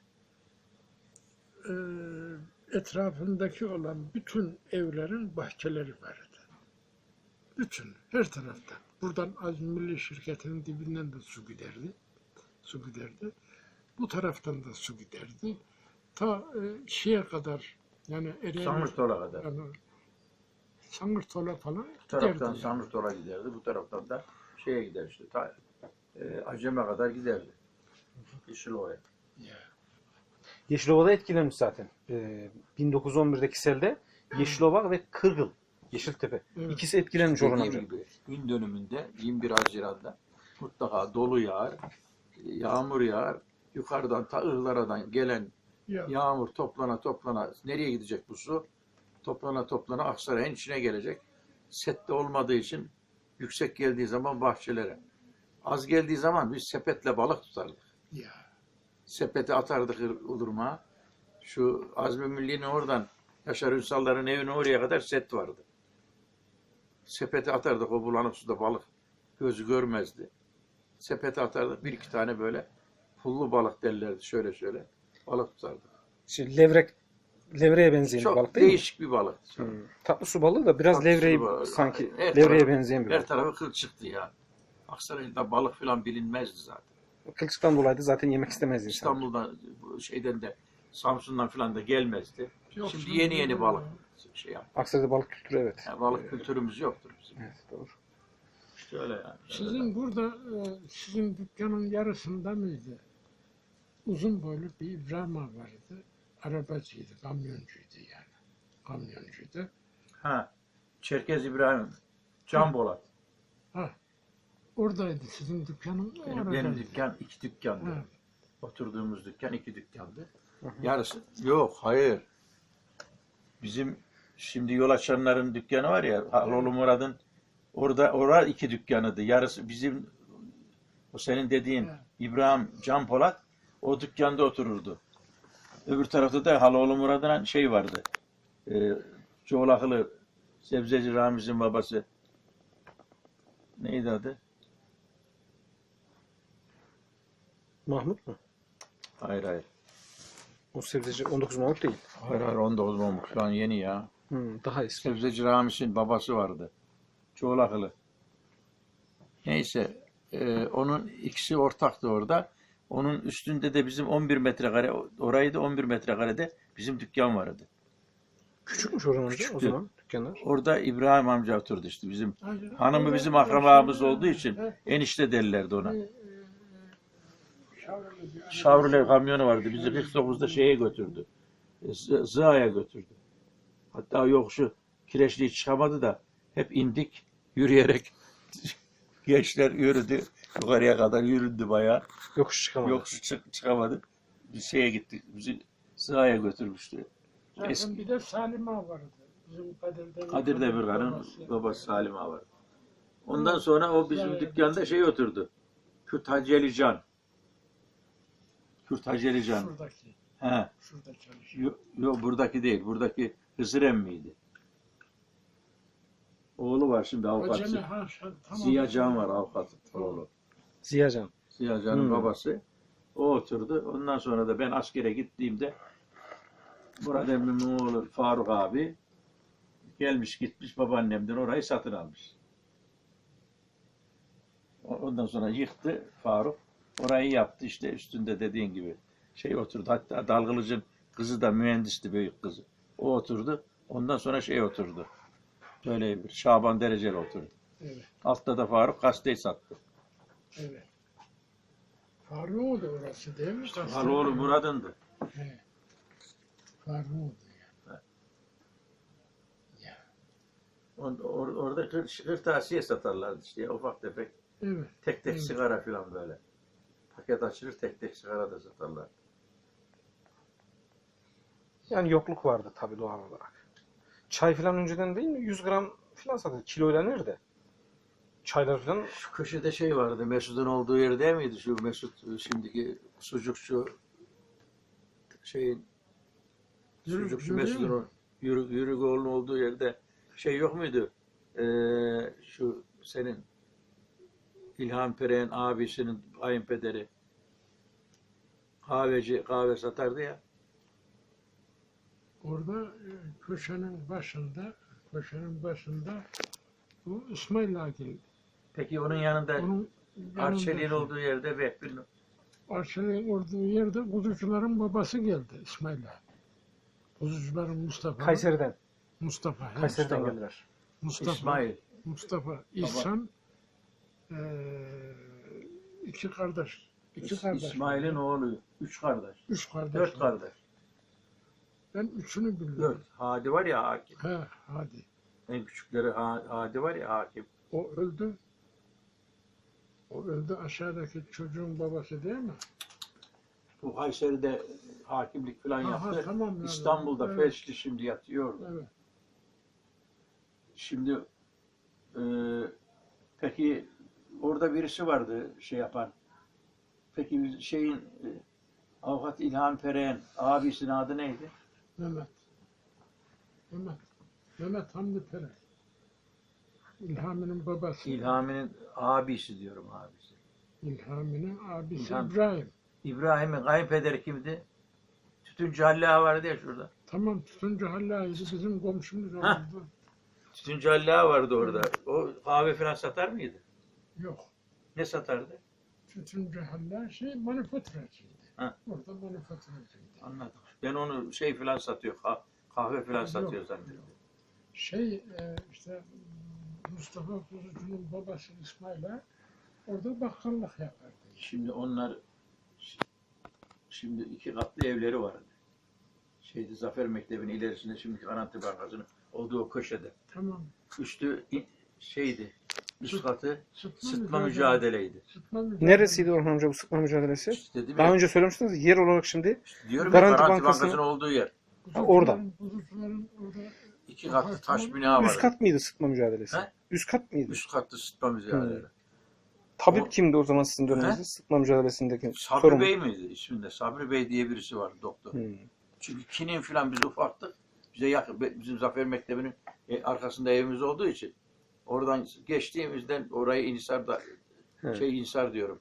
[SPEAKER 3] Ee, etrafındaki olan bütün evlerin bahçeleri vardı. Bütün, her taraftan. Buradan Azmi Milli Şirketi'nin dibinden de su giderdi. Su giderdi. Bu taraftan da su giderdi. Ta e, şeye kadar, yani Ereğli,
[SPEAKER 1] Samurtol'a kadar.
[SPEAKER 3] yani Sangırtol'a falan
[SPEAKER 1] Bu taraftan
[SPEAKER 3] giderdi. yani.
[SPEAKER 1] Samurtol'a giderdi. Bu taraftan da şeye gider işte. Ta, e, Acem'e kadar giderdi. Yeşilova'ya.
[SPEAKER 3] Ya.
[SPEAKER 2] Yeşilova'da etkilenmiş zaten. Ee, bin dokuz yüz on birdeki selde Yeşilova ve Kırgıl, Yeşiltepe.
[SPEAKER 3] Evet.
[SPEAKER 2] İkisi etkilenmiş Orhan
[SPEAKER 1] Dediğim
[SPEAKER 2] amca.
[SPEAKER 1] gibi gün dönümünde yirmi bir Haziran'da mutlaka dolu yağar, yağmur yağar. Yukarıdan ta Ihlara'dan gelen
[SPEAKER 3] Ya.
[SPEAKER 1] yağmur toplana toplana nereye gidecek bu su? Toplana toplana Aksaray'ın içine gelecek. Sette olmadığı için yüksek geldiği zaman bahçelere. Az geldiği zaman biz sepetle balık tutardık.
[SPEAKER 3] Ya.
[SPEAKER 1] Sepeti atardık Ulurmağa. Şu Azmi Milli'nin oradan Yaşar Ünsal'ların evine oraya kadar set vardı. Sepeti atardık o bulanık suda balık gözü görmezdi. Sepeti atardık bir iki tane böyle pullu balık derlerdi şöyle şöyle balık tutardık.
[SPEAKER 2] Şey, levrek, levreye benzeyen bir
[SPEAKER 1] Çok
[SPEAKER 2] balık değil mi?
[SPEAKER 1] değişik bir balık.
[SPEAKER 2] Hmm. Tatlı su balığı da biraz
[SPEAKER 1] Tatlı
[SPEAKER 2] levreyi
[SPEAKER 1] su balığı.
[SPEAKER 2] sanki
[SPEAKER 1] Her
[SPEAKER 2] levreye
[SPEAKER 1] tarafı-
[SPEAKER 2] benzeyen bir
[SPEAKER 1] Her
[SPEAKER 2] balık.
[SPEAKER 1] tarafı kıl çıktı ya. Aksaray'da balık falan bilinmezdi zaten.
[SPEAKER 2] Kılçıktan dolayı da zaten yemek istemez insan.
[SPEAKER 1] İstanbul'dan bu şeyden de Samsun'dan falan da gelmezdi.
[SPEAKER 3] Yok,
[SPEAKER 1] Şimdi
[SPEAKER 3] şimdi
[SPEAKER 1] yeni yeni
[SPEAKER 3] böyle-
[SPEAKER 1] balık şey yap.
[SPEAKER 2] Aksaray'da balık kültürü evet.
[SPEAKER 1] Yani balık kültürümüz yoktur bizim.
[SPEAKER 2] Evet doğru.
[SPEAKER 1] İşte öyle yani.
[SPEAKER 3] Sizin burada, e, sizin dükkanın yarısında mıydı? Uzun boylu bir İbrahim ağa vardı. Arabacıydı, kamyoncuydu yani. Kamyoncuydu.
[SPEAKER 1] Ha, Çerkez İbrahim, Can Bolat.
[SPEAKER 3] Ha, oradaydı sizin dükkanın.
[SPEAKER 1] Benim,
[SPEAKER 3] oradaydı.
[SPEAKER 1] benim dükkan iki dükkandı.
[SPEAKER 3] Ha,
[SPEAKER 1] Oturduğumuz dükkan iki dükkandı.
[SPEAKER 2] Hı hı.
[SPEAKER 1] Yarısı yok, hayır. Bizim şimdi yol açanların dükkanı var ya, Haloğlu Murad'ın orada orada iki dükkanıydı. Yarısı bizim o senin dediğin
[SPEAKER 3] Evet.
[SPEAKER 1] İbrahim Can Polat o dükkanda otururdu. Öbür tarafta da Haloğlu Murad'ın şey vardı. E, Çoğlaklı Sebzeci Ramiz'in babası. Neydi adı?
[SPEAKER 2] Mahmut mu?
[SPEAKER 1] Hayır hayır.
[SPEAKER 2] O sebzeci on dokuz Mahmut değil.
[SPEAKER 1] Hayır hayır on dokuz olmuş. Şu an yeni ya.
[SPEAKER 2] Hmm, daha eski.
[SPEAKER 1] Sebzeci Ramis'in babası vardı. Çoğulakılı. Neyse e, onun ikisi ortaktı orada. Onun üstünde de bizim on bir metrekare orayı da on bir metrekarede bizim dükkan vardı.
[SPEAKER 2] Küçükmüş Orhan amca o
[SPEAKER 1] Küçüktü.
[SPEAKER 2] zaman dükkanlar.
[SPEAKER 1] Orada İbrahim amca oturdu işte bizim.
[SPEAKER 3] Aynen.
[SPEAKER 1] Hanımı bizim
[SPEAKER 3] Orada-
[SPEAKER 1] akrabamız olduğu için
[SPEAKER 3] He,
[SPEAKER 1] enişte derlerdi ona.
[SPEAKER 3] e, e, Şavrulu bir-
[SPEAKER 1] Chevrolet kamyonu vardı. Bizi kırk dokuzda şeye götürdü. Z- Zığa'ya götürdü. Hatta yok şu Kireçli'yi çıkamadı da hep indik yürüyerek. Gençler yürüdü. Yukarıya kadar yürüdü bayağı.
[SPEAKER 2] Yokuş çıkamadı.
[SPEAKER 1] Yok çık çıkamadı. Bir şeye gittik. Bizi Zığa'ya götürmüştü.
[SPEAKER 3] Zaten
[SPEAKER 1] Eski
[SPEAKER 3] bir de Salim Ağa vardı. Bizim Kadir Demirkan'ın
[SPEAKER 1] Kadir Demirkan'ın
[SPEAKER 3] babası.
[SPEAKER 1] babası Salim Ağa var. Ondan sonra o bizim dükkanda şey oturdu. Kürt Hacı Ali Can. Kürt Hacı Ali Can.
[SPEAKER 3] Şuradaki.
[SPEAKER 1] He.
[SPEAKER 3] Şurada çalışıyor.
[SPEAKER 1] Yok yo, buradaki değil. Buradaki Hızır emmiydi. Oğlu var şimdi avukat.
[SPEAKER 3] Acele ha, şa- tamam.
[SPEAKER 1] Ziya Can var avukat oğlu.
[SPEAKER 2] Ziyacan.
[SPEAKER 1] Ziya Can'ın
[SPEAKER 2] Hmm.
[SPEAKER 1] babası. O oturdu. Ondan sonra da ben askere gittiğimde Murat emmimin oğlu Faruk abi gelmiş gitmiş babaannemden orayı satın almış. Ondan sonra yıktı Faruk. Orayı yaptı işte üstünde dediğin gibi şey oturdu. Hatta Dalgılıcın kızı da mühendisti büyük kızı. O oturdu. Ondan sonra şey oturdu. Böyle bir Şaban Dereceli oturdu.
[SPEAKER 3] Evet,
[SPEAKER 1] Altta da Faruk gazeteyi sattı.
[SPEAKER 3] evet. Faruk'u da orası değil mi?
[SPEAKER 1] Haloğlu Murad'ındı.
[SPEAKER 3] He. Faruk'u ya.
[SPEAKER 1] Or, or- orada kır- kırtasiye satarlardı işte ufak tefek.
[SPEAKER 3] Evet.
[SPEAKER 1] Tek tek
[SPEAKER 3] Evet.
[SPEAKER 1] sigara falan böyle. Paket açılır tek tek sigara da satarlar.
[SPEAKER 2] Yani yokluk vardı tabii doğal olarak. Çay falan önceden değil mi? yüz gram falan satıldı. Kiloyla nerede? Çaylar falan
[SPEAKER 1] Şu köşede şey vardı Mesut'un olduğu yer değil miydi? Şu Mesut şimdiki sucukçu şeyin
[SPEAKER 3] Yürü-
[SPEAKER 1] sucukçu
[SPEAKER 3] yürüyor
[SPEAKER 1] Mesut'un
[SPEAKER 3] mu?
[SPEAKER 1] o yürü, Yürügoğlu'nun olduğu yerde şey yok muydu? Ee, şu senin İlhan Perek'in abisinin kayınpederi kahveci kahve satardı ya.
[SPEAKER 3] Orada e, köşenin başında, köşenin başında bu İsmail Agil.
[SPEAKER 1] Peki onun yanında
[SPEAKER 3] Onun
[SPEAKER 1] Arçelik'in olduğu yerde Vehbi'nin
[SPEAKER 3] Arçelik'in olduğu yerde kuzucuların babası geldi İsmail Ağa. Kuzucuların Mustafa.
[SPEAKER 2] Kayseri'den.
[SPEAKER 3] Mustafa. he.
[SPEAKER 2] Kayseri'den
[SPEAKER 1] Mustafa.
[SPEAKER 2] geldiler.
[SPEAKER 3] Mustafa.
[SPEAKER 1] İsmail.
[SPEAKER 3] Mustafa. İhsan. eee iki kardeş. İki kardeş.
[SPEAKER 1] İsmail'in oğlu. Üç kardeş.
[SPEAKER 3] Üç kardeş.
[SPEAKER 1] Dört kardeş.
[SPEAKER 3] Ben üçünü biliyorum.
[SPEAKER 1] Dört. Hadi var ya hakim.
[SPEAKER 3] He, hadi.
[SPEAKER 1] En küçükleri Ha- Hadi var ya hakim.
[SPEAKER 3] O öldü. O öldü aşağıdaki çocuğun babası değil mi?
[SPEAKER 1] Bu Kayseri'de hakimlik falan
[SPEAKER 3] Aha,
[SPEAKER 1] yaptı.
[SPEAKER 3] tamam yani.
[SPEAKER 1] İstanbul'da
[SPEAKER 3] Evet.
[SPEAKER 1] felçli şimdi yatıyor. orada.
[SPEAKER 3] Evet.
[SPEAKER 1] Şimdi e, peki orada birisi vardı şey yapan. Peki şeyin e, avukat İlhan Perek'in abisinin adı neydi?
[SPEAKER 3] Mehmet. Mehmet. Mehmet Hamdi Perek. İlhami'nin babası.
[SPEAKER 1] İlhami'nin abisi diyorum abisi.
[SPEAKER 3] İlhami'nin abisi
[SPEAKER 1] İlham.
[SPEAKER 3] İbrahim.
[SPEAKER 1] İbrahim'in kayınpederi kimdi? Tütüncü Halil Ağa vardı ya şurada.
[SPEAKER 3] Tamam tutunca Halla'ydı bizim komşumuz
[SPEAKER 1] Hah.
[SPEAKER 3] olurdu.
[SPEAKER 1] Tütüncü Halil Ağa vardı orada. O kahve falan satar mıydı?
[SPEAKER 3] Yok.
[SPEAKER 1] Ne satardı?
[SPEAKER 3] Tutunca Halla şey manifaturacıydı.
[SPEAKER 1] Ha.
[SPEAKER 3] Orada manifaturacıydı.
[SPEAKER 1] Anladım. Ben onu şey falan satıyor. kah- Kahve falan
[SPEAKER 3] Yok,
[SPEAKER 1] satıyor zannediyorum.
[SPEAKER 3] yok. Şey e, işte Mustafa Kuzucu'nun babası İsmail'e orada bakkallık yapardı.
[SPEAKER 1] Şimdi onlar şimdi iki katlı evleri vardı. Şeydi Zafer Mektebi'nin ilerisinde şimdiki Garanti Bankası'nın olduğu o köşede.
[SPEAKER 3] Tamam.
[SPEAKER 1] Üstü i- şeydi. Üst katı
[SPEAKER 3] Sıtma,
[SPEAKER 1] sıtma
[SPEAKER 3] mücadele-
[SPEAKER 1] mücadeleydi.
[SPEAKER 3] Sıtma mücadele.
[SPEAKER 2] Neresiydi Orhan amca bu sıkma mücadelesi?
[SPEAKER 1] İşte değil mi?
[SPEAKER 2] Daha önce söylemiştiniz. Yer olarak şimdi
[SPEAKER 1] Diyorum ya,
[SPEAKER 2] Garanti
[SPEAKER 1] Garanti
[SPEAKER 2] Bankası'nın-
[SPEAKER 1] Bankası'nın olduğu yer.
[SPEAKER 2] Ha, orada.
[SPEAKER 3] Kuzucuların- Kuzucuların orada
[SPEAKER 1] İki katlı taş bina
[SPEAKER 2] üst
[SPEAKER 1] var.
[SPEAKER 2] kat mıydı sıkma mücadelesi?
[SPEAKER 1] He?
[SPEAKER 2] Üst kat mıydı?
[SPEAKER 1] Üst katlı sıtma mücadelesi.
[SPEAKER 2] Tabip
[SPEAKER 1] O-
[SPEAKER 2] kimdi o zaman sizin döneminizde? Sıkma mücadelesindeki
[SPEAKER 1] Sabri
[SPEAKER 2] sorumlu.
[SPEAKER 1] Bey miydi isminde? Sabri Bey diye birisi var doktor.
[SPEAKER 2] Hmm.
[SPEAKER 1] Çünkü Çin'in falan biz ufaktık. Bize yakın, bizim Zafer Mektebi'nin e, arkasında evimiz olduğu için oradan geçtiğimizden orayı İnsar'da
[SPEAKER 2] Evet.
[SPEAKER 1] şey İnsar diyorum.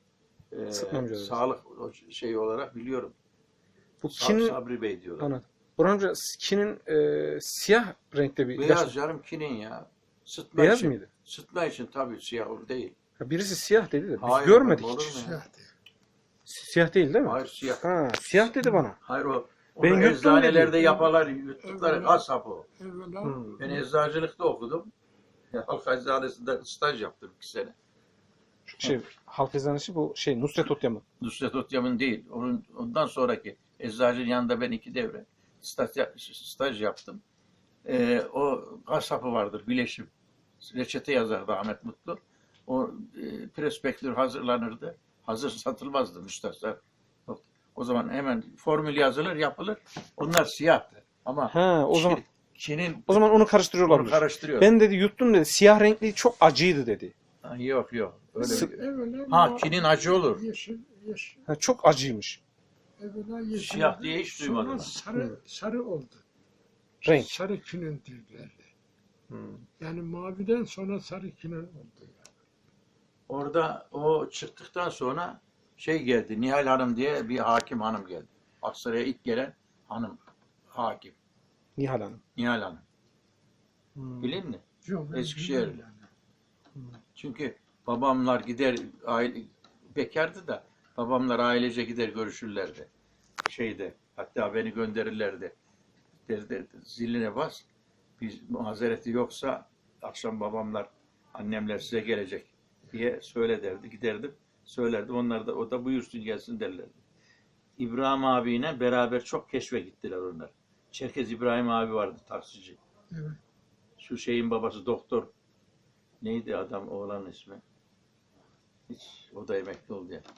[SPEAKER 1] e,
[SPEAKER 2] Sıtma mücadelesi.
[SPEAKER 1] sağlık şeyi olarak biliyorum.
[SPEAKER 2] Bu
[SPEAKER 1] Sa-
[SPEAKER 2] kinin,
[SPEAKER 1] Sabri Bey diyorlar.
[SPEAKER 2] anladım. Burhan amca kinin e, siyah renkte bir
[SPEAKER 1] Beyaz
[SPEAKER 2] ilaç.
[SPEAKER 1] canım kinin ya. Sıtma
[SPEAKER 2] Beyaz
[SPEAKER 1] için,
[SPEAKER 2] mıydı?
[SPEAKER 1] Sıtma için tabii siyah değil.
[SPEAKER 2] Ha, birisi siyah dedi de biz
[SPEAKER 1] Hayır,
[SPEAKER 2] görmedik
[SPEAKER 1] olur
[SPEAKER 2] hiç.
[SPEAKER 1] mu ya?
[SPEAKER 3] Siyah değil.
[SPEAKER 2] Siyah değil değil mi?
[SPEAKER 1] Hayır siyah.
[SPEAKER 2] Ha, siyah dedi bana.
[SPEAKER 1] Hayır o.
[SPEAKER 2] Ben
[SPEAKER 1] Onu
[SPEAKER 2] yuttum
[SPEAKER 1] eczanelerde
[SPEAKER 2] dedi.
[SPEAKER 1] yaparlar, yuttukları
[SPEAKER 3] Evet.
[SPEAKER 1] kasap o.
[SPEAKER 3] Evvela
[SPEAKER 2] Hmm.
[SPEAKER 1] Ben eczacılıkta okudum. Halk eczanesi'nde staj yaptım iki sene.
[SPEAKER 2] Şey, halk eczanesi bu şey Nusret Otyam'ın.
[SPEAKER 1] Nusret Otyam'ın değil. Onun, ondan sonraki eczacının yanında ben iki devre staj, staj yaptım. Ee, o kasapı vardır, bileşim. Reçete yazardı Ahmet Mutlu. O e, prospektür hazırlanırdı. Hazır satılmazdı müstahsar. O zaman hemen formül yazılır, yapılır. Onlar siyahtı. Ama
[SPEAKER 2] Ha, o
[SPEAKER 1] Çin-
[SPEAKER 2] zaman
[SPEAKER 1] Çin'in
[SPEAKER 2] o zaman onu karıştırıyorlar.
[SPEAKER 1] onu karıştırıyor.
[SPEAKER 2] Ben dedi yuttum dedi. Siyah renkli çok acıydı dedi.
[SPEAKER 1] Ha, yok yok. Öyle
[SPEAKER 2] Sık-
[SPEAKER 1] bir-
[SPEAKER 3] evvela
[SPEAKER 1] Ha,
[SPEAKER 3] ma-
[SPEAKER 1] kinin acı olur.
[SPEAKER 3] Yeşil, yeşil.
[SPEAKER 2] Ha, çok acıymış
[SPEAKER 3] Evvela yeşil.
[SPEAKER 1] Siyah diye hiç duymadım
[SPEAKER 3] Sonra
[SPEAKER 1] ben.
[SPEAKER 3] sarı, sarı oldu.
[SPEAKER 2] renk.
[SPEAKER 3] Sarı kinin derlerdi.
[SPEAKER 2] Hmm.
[SPEAKER 3] Yani maviden sonra sarı kinin oldu. Yani.
[SPEAKER 1] Orada o çıktıktan sonra şey geldi. Nihal Hanım diye bir hakim hanım geldi. Aksaray'a ilk gelen hanım hakim.
[SPEAKER 2] Nihal Hanım.
[SPEAKER 1] Nihal Hanım.
[SPEAKER 2] Hmm.
[SPEAKER 1] Bilin mi?
[SPEAKER 3] Yok, ben
[SPEAKER 1] Eskişehirli.
[SPEAKER 3] bilmiyorum yani.
[SPEAKER 1] Çünkü babamlar gider aile bekardı da babamlar ailece gider görüşürlerdi. Şeyde hatta beni gönderirlerdi. Derdi, ziline bas. Biz mazereti yoksa akşam babamlar annemler size gelecek diye söyle derdi. Giderdim. Söylerdim. Onlar da o da buyursun gelsin derlerdi. İbrahim abiyle beraber çok keşfe gittiler onlar. Çerkez İbrahim abi vardı taksici.
[SPEAKER 3] Evet.
[SPEAKER 1] Şu şeyin babası doktor. Neydi adam oğlanın ismi? Hiç o da emekli oldu ya.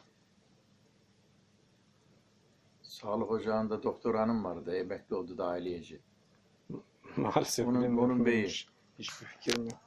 [SPEAKER 1] Sağlık ocağında doktor hanım vardı. Emekli oldu da aileyeci.
[SPEAKER 2] Maalesef.
[SPEAKER 1] Onun-
[SPEAKER 2] benim
[SPEAKER 1] onun
[SPEAKER 2] yok.
[SPEAKER 1] beyi.
[SPEAKER 2] Hiç- Hiçbir fikrim yok.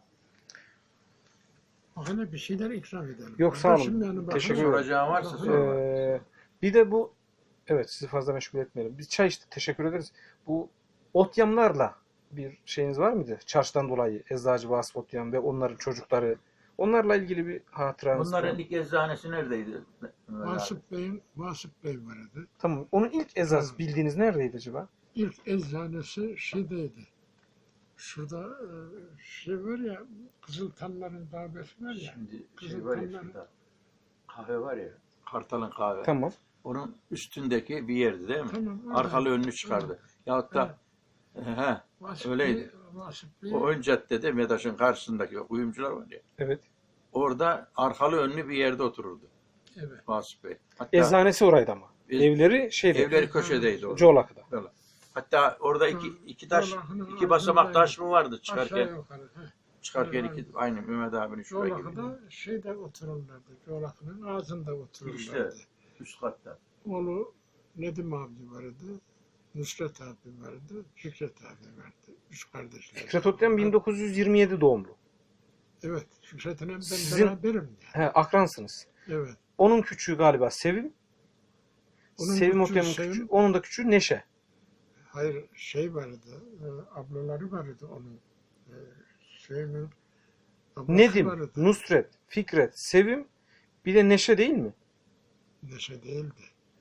[SPEAKER 3] Hani bir şeyler ikram edelim.
[SPEAKER 2] Yok, sağ olun.
[SPEAKER 3] Kardeşim yani bakın-
[SPEAKER 2] Teşekkür ederim.
[SPEAKER 1] Soracağım varsa sor.
[SPEAKER 2] Ee, bir de bu evet sizi fazla meşgul etmeyelim. Biz çay içtik. Teşekkür ederiz. Bu otyamlarla bir şeyiniz var mıydı? Çarşıdan dolayı Eczacı Vasıf Otyam ve onların çocukları. Onlarla ilgili bir hatıranız var
[SPEAKER 1] Bunların
[SPEAKER 2] mı?
[SPEAKER 1] ilk eczanesi neredeydi? Mehmet abi?
[SPEAKER 3] Vasıf Bey'in Vasıf Bey vardı.
[SPEAKER 2] Tamam. Onun ilk eczası
[SPEAKER 3] Evet.
[SPEAKER 2] bildiğiniz neredeydi acaba?
[SPEAKER 3] İlk eczanesi şeydeydi. Şurada e, şey var ya, Kızıltanların daveti var ya.
[SPEAKER 1] Şimdi
[SPEAKER 3] Kızıl
[SPEAKER 1] şey var ya
[SPEAKER 3] Tanrı.
[SPEAKER 1] şurada. Kahve var ya. Kartal'ın kahve.
[SPEAKER 2] Tamam.
[SPEAKER 1] Onun üstündeki bir yerdi değil mi?
[SPEAKER 3] Tamam, öyle.
[SPEAKER 1] Arkalı önlü çıkardı. Yahut da he,
[SPEAKER 3] Vasıf
[SPEAKER 1] öyleydi.
[SPEAKER 3] Bey, Vasıf Bey,
[SPEAKER 1] o ön caddede Medaş'ın karşısındaki o kuyumcular var ya.
[SPEAKER 2] Evet.
[SPEAKER 1] Orada arkalı önlü bir yerde otururdu
[SPEAKER 3] evet.
[SPEAKER 1] Vasıf Bey. Hatta
[SPEAKER 2] Eczanesi oraydı ama.
[SPEAKER 1] Ez-
[SPEAKER 2] Evleri şeyde.
[SPEAKER 1] evleri köşedeydi orada.
[SPEAKER 2] Coğlak'ta.
[SPEAKER 1] Öyle. Hatta orada iki, iki taş,
[SPEAKER 3] Yolakının
[SPEAKER 1] iki basamak taş mı vardı
[SPEAKER 3] Aşağı
[SPEAKER 1] çıkarken?
[SPEAKER 3] yukarı. Heh.
[SPEAKER 1] Çıkarken
[SPEAKER 3] Evet.
[SPEAKER 1] iki, aynı Mehmet abinin şuraya gibi.
[SPEAKER 3] Coğlakı'da şeyde otururlardı. Coğlakı'nın ağzında otururlardı.
[SPEAKER 1] İşte. Üst katta.
[SPEAKER 3] Oğlu Nedim abi vardı. Nusret abi vardı. Fikret abi vardı. Üç kardeşler.
[SPEAKER 2] Fikret Otyam bin dokuz yüz yirmi yedi doğumlu.
[SPEAKER 3] Evet. Fikret'in hem ben
[SPEAKER 2] Sizin-
[SPEAKER 3] beraberim yani.
[SPEAKER 2] He, akransınız.
[SPEAKER 3] Evet.
[SPEAKER 2] Onun küçüğü galiba Sevim.
[SPEAKER 3] Onun
[SPEAKER 2] Sevim
[SPEAKER 3] küçüğü
[SPEAKER 2] Otyam'ın
[SPEAKER 3] Sevim.
[SPEAKER 2] küçüğü. Onun da küçüğü Neşe.
[SPEAKER 3] Hayır şey vardı. E, ablaları vardı onun. E, Sevim'in ablası
[SPEAKER 2] Nedim,
[SPEAKER 3] vardı.
[SPEAKER 2] Nusret, Fikret, Sevim bir de Neşe değil mi?
[SPEAKER 3] Neşe değildi.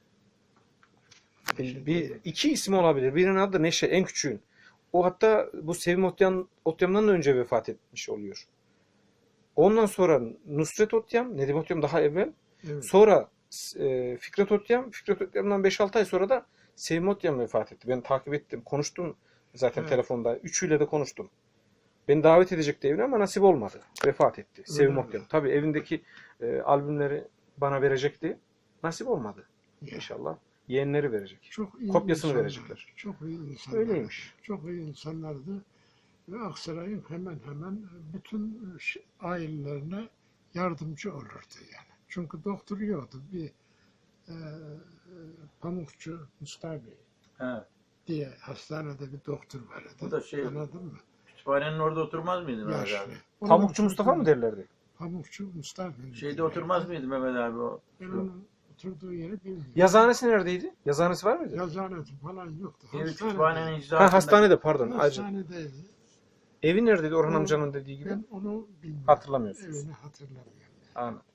[SPEAKER 2] E,
[SPEAKER 3] Neşe
[SPEAKER 2] Bir
[SPEAKER 3] değildi.
[SPEAKER 2] iki ismi olabilir. Birinin adı da Neşe, en küçüğün. O hatta bu Sevim Otyam, Otyam'dan da önce vefat etmiş oluyor. Ondan sonra Nusret Otyam, Nedim Otyam daha evvel.
[SPEAKER 3] Evet.
[SPEAKER 2] Sonra e, Fikret Otyam, Fikret Otyam'dan beş altı ay sonra da Sevim Otyam vefat etti. Ben takip ettim, konuştum zaten
[SPEAKER 3] Evet.
[SPEAKER 2] telefonda. Üçüyle de konuştum. Beni davet edecekti evine ama nasip olmadı. Vefat etti. Sevim
[SPEAKER 3] mi?
[SPEAKER 2] Otyam. Tabii evindeki e, albümleri bana verecekti. Nasip olmadı.
[SPEAKER 3] Ya.
[SPEAKER 2] İnşallah yeğenleri verecek.
[SPEAKER 3] Çok iyi
[SPEAKER 2] Kopyasını
[SPEAKER 3] insanlar,
[SPEAKER 2] verecekler.
[SPEAKER 3] Çok iyi insanlar.
[SPEAKER 2] Öyleymiş.
[SPEAKER 3] Çok iyi insanlardı. Ve Aksaray'ın hemen hemen bütün ş- ailelerine yardımcı olurdu yani. Çünkü doktor yoktu. Bir e, e, Pamukçu Mustafa Bey
[SPEAKER 1] He.
[SPEAKER 3] diye hastanede bir doktor vardı.
[SPEAKER 1] Bu da şey-
[SPEAKER 3] Anladın mı?
[SPEAKER 1] Kütüphanenin orada oturmaz mıydı Mehmet
[SPEAKER 3] Yaşlı.
[SPEAKER 1] abi?
[SPEAKER 3] Onun
[SPEAKER 2] Pamukçu Mustafa mı
[SPEAKER 3] oturduğu-
[SPEAKER 2] derlerdi?
[SPEAKER 3] Pamukçu Mustafa Bey.
[SPEAKER 1] Şeyde oturmaz mıydı Mehmet abi o?
[SPEAKER 3] Ben onun oturduğu yeri bilmiyorum.
[SPEAKER 2] Yazıhanesi neredeydi? Yazıhanesi var mıydı?
[SPEAKER 3] Yazıhanesi falan yoktu.
[SPEAKER 1] Evi
[SPEAKER 3] Hastanede-
[SPEAKER 1] kütüphanenin icraatında.
[SPEAKER 2] Ha, hastanede pardon. Acı.
[SPEAKER 3] Hastanedeydi.
[SPEAKER 2] Evi neredeydi Orhan
[SPEAKER 3] Ben-
[SPEAKER 2] amcanın dediği gibi?
[SPEAKER 3] Ben onu bilmiyorum.
[SPEAKER 2] Hatırlamıyorsunuz.
[SPEAKER 3] Evini hatırlamıyorum.
[SPEAKER 2] Anladım.